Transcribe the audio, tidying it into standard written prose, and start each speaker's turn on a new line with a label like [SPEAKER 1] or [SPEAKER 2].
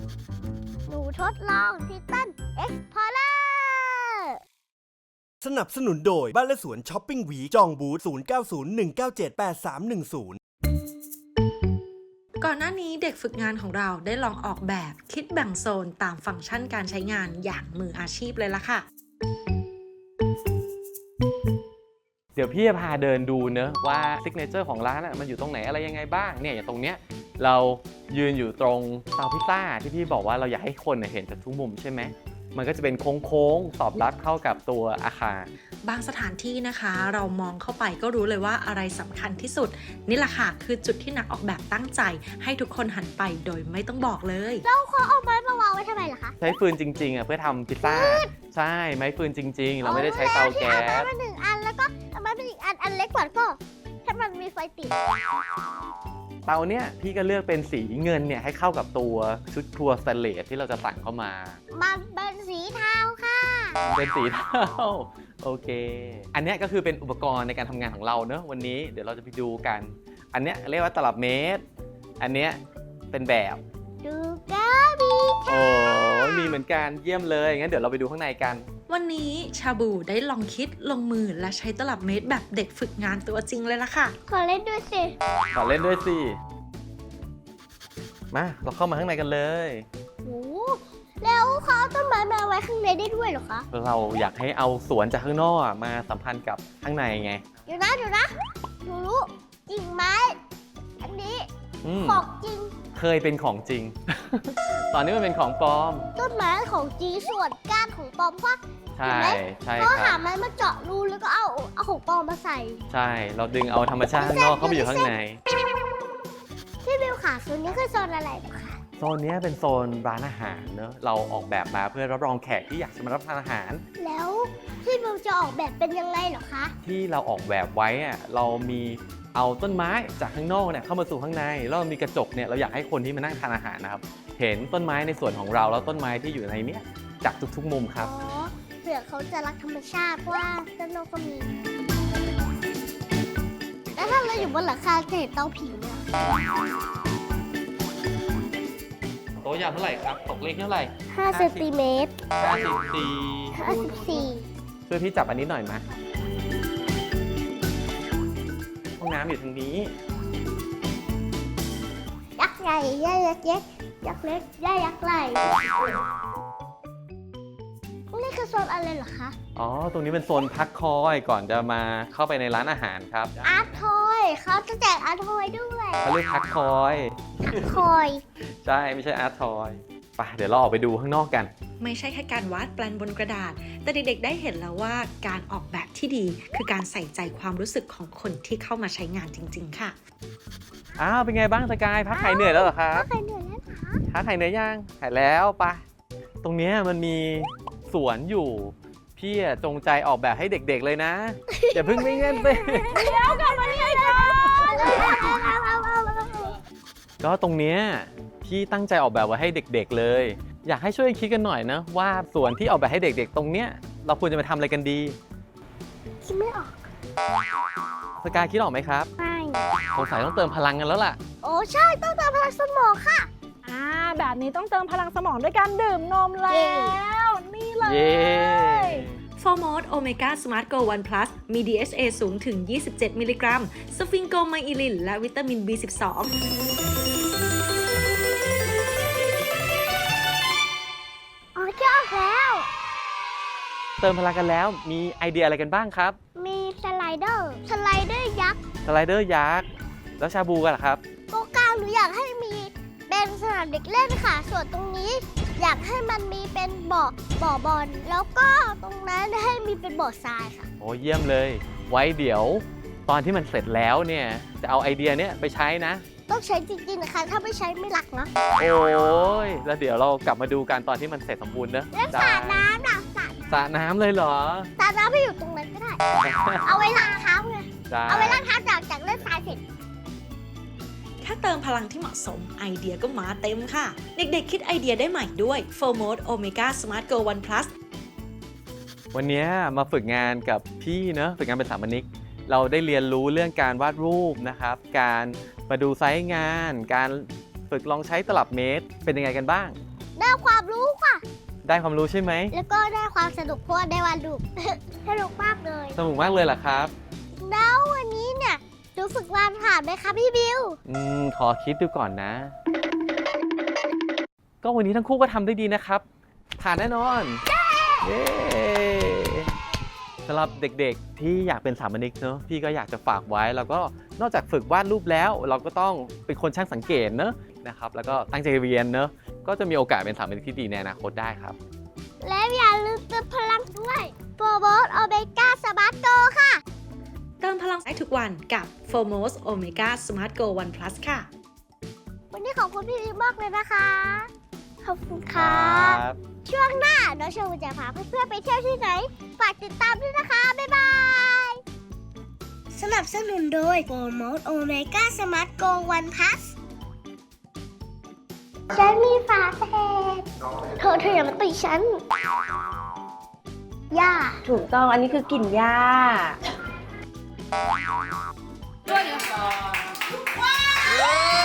[SPEAKER 1] หนูทดลองทิตันเอ็กซ์พอร์เลอร์
[SPEAKER 2] สนับสนุนโดยบ้านและสวนช้อปปิ้งวีจองบูธ0901978310
[SPEAKER 3] ก่อนหน้านี้เด็กฝึกงานของเราได้ลองออกแบบคิดแบ่งโซนตามฟังก์ชันการใช้งานอย่างมืออาชีพเลยล่ะค่ะ
[SPEAKER 4] เดี๋ยวพี่จะพาเดินดูเนอะว่าซิกเนเจอร์ของร้านมันอยู่ตรงไหนอะไรยังไงบ้างเนี่ยอย่างตรงเนี้ยเรายืนอยู่ตรงเตาพิซซ่าที่พี่บอกว่าเราอยากให้คนเห็นจากทุกมุมใช่ไหมมันก็จะเป็นโค้งๆสอบรับเข้ากับตัวอาคาร
[SPEAKER 3] บางสถานที่นะคะเรามองเข้าไปก็รู้เลยว่าอะไรสำคัญที่สุดนี่แหละค่ะคือจุดที่นักออกแบบตั้งใจให้ทุกคนหันไปโดยไม่ต้องบอกเลย
[SPEAKER 1] แล้วเขาเอาไม้มาวางไว้ทำไมล่ะคะ
[SPEAKER 4] ใช้ฟืนจริงๆเพื่อทำพิซซ่าใช่ไม้ฟืนจริงๆเราไม่ได้ใช้เตาแก๊ส
[SPEAKER 1] เอาไม้มา1 อันแล้วก็เอาไม้มาอีกอันเล็กกว่าก็ให้มันมีไฟติด
[SPEAKER 4] เตาเนี้ยพี่ก็เลือกเป็นสีเงินเนี่ยให้เข้ากับตัวชุดครัวสแตนเลสที่เราจะสั่งเข้ามา
[SPEAKER 1] มันเป็นสีเทาค่ะ
[SPEAKER 4] เป็นสีเทาโอเคอันนี้ก็คือเป็นอุปกรณ์ในการทำงานของเราเนอะวันนี้เดี๋ยวเราจะไปดูกันอันนี้เรียกว่าตลับเมตรอันนี้เป็นแบบ
[SPEAKER 1] ดูก้ามี
[SPEAKER 4] โอ้มีเหมือนกันเยี่ยมเลยงั้นเดี๋ยวเราไปดูข้างในกัน
[SPEAKER 3] วันนี้ชาบูได้ลองคิดลงมือและใช้ตลับเมตรแบบเด็กฝึกงานตัวจริงเลยล่ะค่ะ
[SPEAKER 1] ขอเล่นด้วยสิ
[SPEAKER 4] ขอเล่นด้วยสิมาเราเข้ามาข้างในกันเลย
[SPEAKER 1] โอ้แล้วเขาเอาต้นไม้มาไว้ข้างในได้ด้วยเหรอคะ
[SPEAKER 4] เราอยากให้เอาสวนจากข้างนอกมาสัมพันธ์กับข้างในไง
[SPEAKER 1] เดี๋ยวนะหนูรู้กิ่งไม้อันนี้ของจริง
[SPEAKER 4] เคยเป็นของจริง ตอนนี้มันเป็นของปลอม
[SPEAKER 1] ต้นไม้ของจริงส่วนก้านของปลอมเพราะ
[SPEAKER 4] ใช่
[SPEAKER 1] เขาหาไม้มาเจาะรูแล้วก็เอาของปลอมมาใส่
[SPEAKER 4] ใช่เราดึงเอาธรรมชาติข้างนอกเข้าไปอยู่ข้างใน
[SPEAKER 1] พี่บิวค่ะโซนนี้คือโซนอะไรคะ
[SPEAKER 4] โซนนี้เป็นโซนร้านอาหารเนอะเราออกแบบมาเพื่อรับรองแขกที่อยากจะมารับประทานอาหาร
[SPEAKER 1] แล้วพี่บิวจะออกแบบเป็นยังไงเหรอคะ
[SPEAKER 4] ที่เราออกแบบไว้เรามีเอาต้นไม้จากข้างนอกเนี่ยเข้ามาสู่ข้างในแล้วมีกระจกเนี่ยเราอยากให้คนที่มานั่งทานอาหารนะครับเห็นต้นไม้ในส่วนของเราแล้วต้นไม้ที่อยู่ในนี้จากทุกๆมุมครับ
[SPEAKER 1] เผื่อเขาจะรักธรรมชาติว่าด้านนอกก็มีแล้วถ้าเราอยู่บนหลังคาจะเห็นเตาผิงเนี่ย
[SPEAKER 4] โต๊ะยาวเท่าไหร่ครับตกเลขเท่าไหร่
[SPEAKER 1] 5 เซนติเมตร
[SPEAKER 4] 54ช่วยพี่จับอันนี้หน่อยไหมห้องน้ำอยู่ทางนี้
[SPEAKER 1] ยักษ์ใหญ่ยักษ์เล็กยักษ์เล็กยักษ์ใหญ่นี่คือโซนอะไรเหรอคะ
[SPEAKER 4] อ๋อตรงนี้เป็นโซนพักคอยก่อนจะมาเข้าไปในร้านอาหารครับ
[SPEAKER 1] อาร์ตทอยเขาจะแจกอาร์ตทอยด้วย
[SPEAKER 4] เขาเรียกพักคอยใช่ไม่ใช่อาร์ตทอยไปเดี๋ยวเราออกไปดูข้างนอกกัน
[SPEAKER 3] ไม่ใช่แค่การวาดแปลนบนกระดาษแต่เด็กๆได้เห็นแล้วว่าการออกแบบที่ดีคือการใส่ใจความรู้สึกของคนที่เข้ามาใช้งานจริงๆค่ะ
[SPEAKER 4] อ้าวเป็นไงบ้างสกายพักหายเหนื่อยแล้วเหรอครับ
[SPEAKER 1] พักหายเหนื่อยแล้วค่ะ
[SPEAKER 4] พักหายเหนื่อยยังหายแล้วปะตรงนี้มันมีสวนอยู่พี่จงใจออกแบบให้เด็กๆเลยนะอย่าเพิ่งไม่เงินไป
[SPEAKER 1] เดี๋ยวกลับมาเรียน
[SPEAKER 4] ก็ตรงเนี้ยพี่ตั้งใจออกแบบไว้ให้เด็กๆเลยอยากให้ช่วยคิดกันหน่อยนะว่าสวนที่ออกแบบให้เด็กๆตรงเนี้ยเราควรจะไปทำอะไรกันดี
[SPEAKER 1] คิดไม่ออก
[SPEAKER 4] สกายคิดออกไหมครับ
[SPEAKER 1] ไม่
[SPEAKER 4] สงสัยต้องเติมพลังกันแล้วล่ะ
[SPEAKER 1] โอ้ใช่ต้องเติมพลังสมองค่ะ
[SPEAKER 5] แบบนี้ต้องเติมพลังสมองด้วยการดื่มนมแล้วนี่เลย
[SPEAKER 3] โฟร์โมดโอเมก้าสมาร์ทโก1 plus มี DHA สูงถึง27 มิลลิกรัมสฟิงโกไมอิลินและวิตามิน B12
[SPEAKER 1] คิดออกแล้ว
[SPEAKER 4] เติมพลังกันแล้วมีไอเดียอะไรกันบ้างครับ
[SPEAKER 1] มีสไลเดอร์ยักษ์
[SPEAKER 4] แล้วชาบูกันเหรอครับ
[SPEAKER 1] โกกลางหนูอยากให้มีเป็นสนามเด็กเล่นค่ะส่วนตรงนี้อยากให้มันมีเป็นบ่อบอลแล้วก็ตรงนั้นให้มีเป็นบ่อทรายค่ะ
[SPEAKER 4] โอ้เยี่ยมเลยไว้เดี๋ยวตอนที่มันเสร็จแล้วเนี่ยจะเอาไอเดียเนี้ยไปใช้นะ
[SPEAKER 1] ต้องใช้จริงๆนะคะถ้าไม่ใช้ไม่รักเนาะ
[SPEAKER 4] โอ้ยแล้วเดี๋ยวเรากลับมาดูกันตอนที่มันเสร็จสมบูรณ์เนอะ
[SPEAKER 1] เล่นสระน้ำนะ
[SPEAKER 4] สระน้ำเลยเหรอ
[SPEAKER 1] สระน้ำไปอยู่ตรงนั้นก็ได้เอาไว้ล้างเท้าไงเอาไว้ล้างเท้าจากเล่นทรายเสร็จ
[SPEAKER 3] แค่เติมพลังที่เหมาะสมไอเดียก็มาเต็มค่ะเด็กๆคิดไอเดียได้ใหม่ด้วย Full Mode Omega Smart Go 1 Plus
[SPEAKER 4] วันนี้มาฝึกงานกับพี่เนอะฝึกงานเป็นสถาปนิกเราได้เรียนรู้เรื่องการวาดรูปนะครับการมาดูไซต์งานการฝึกลองใช้ตลับเมตรเป็นยังไงกันบ้าง
[SPEAKER 1] ได้ความรู้ค่ะ
[SPEAKER 4] ได้ความรู้ใช่ไหม
[SPEAKER 1] แล้วก็ได้ความสนุกเพราะว่าได้วาดรูป สนุกมากเลย
[SPEAKER 4] สนุกมากเลยเหรอครับ
[SPEAKER 1] แล้ววันนี้เนี่ยหนูฝึกวาดผ่านไหมคะพี่บิว
[SPEAKER 4] ขอคิดดูก่อนนะ ก็วันนี้ทั้งคู่ก็ทำได้ดีนะครับ ผ่านแน่นอน เย้สำหรับเด็กๆที่อยากเป็นสถาปนิกเนอะพี่ก็อยากจะฝากไว้ แล้วก็นอกจากฝึกวาดรูปแล้ว เราก็ต้องเป็นคนช่างสังเกตเนอะนะครับ แล้วก็ตั้งใจเรียนเนอะก็จะมีโอกาสเป็นสถาปนิกที่ดีในอนาคตได้ครับ
[SPEAKER 1] และอย่าลืมเติมพลังด้วยโฟร์โบสโอเมก้าสมาร์ทโกค่ะ
[SPEAKER 3] เติมพลังได้ทุกวันกับ Formos Omega Smart Go One Plus ค่ะ
[SPEAKER 1] วันนี้ขอบคุณพี่บิวมากเลยนะคะ ขอบคุณค่ะ
[SPEAKER 4] ครับ
[SPEAKER 1] ช่วงหน้าน้องโชว์จะพาเพื่อนๆไปเที่ยวที่ไหน ฝากติดตามด้วยนะคะ บ๊ายบาย สนับสนุนโดยโฟร์โมสโอเมก้าสมาร์ทโกวันพัสฉันมีฝาแฝดเธออย่ามาตีฉัน ย่า
[SPEAKER 6] ถูกต้อง อันนี้คือกลิ่นหญ้า
[SPEAKER 4] เย้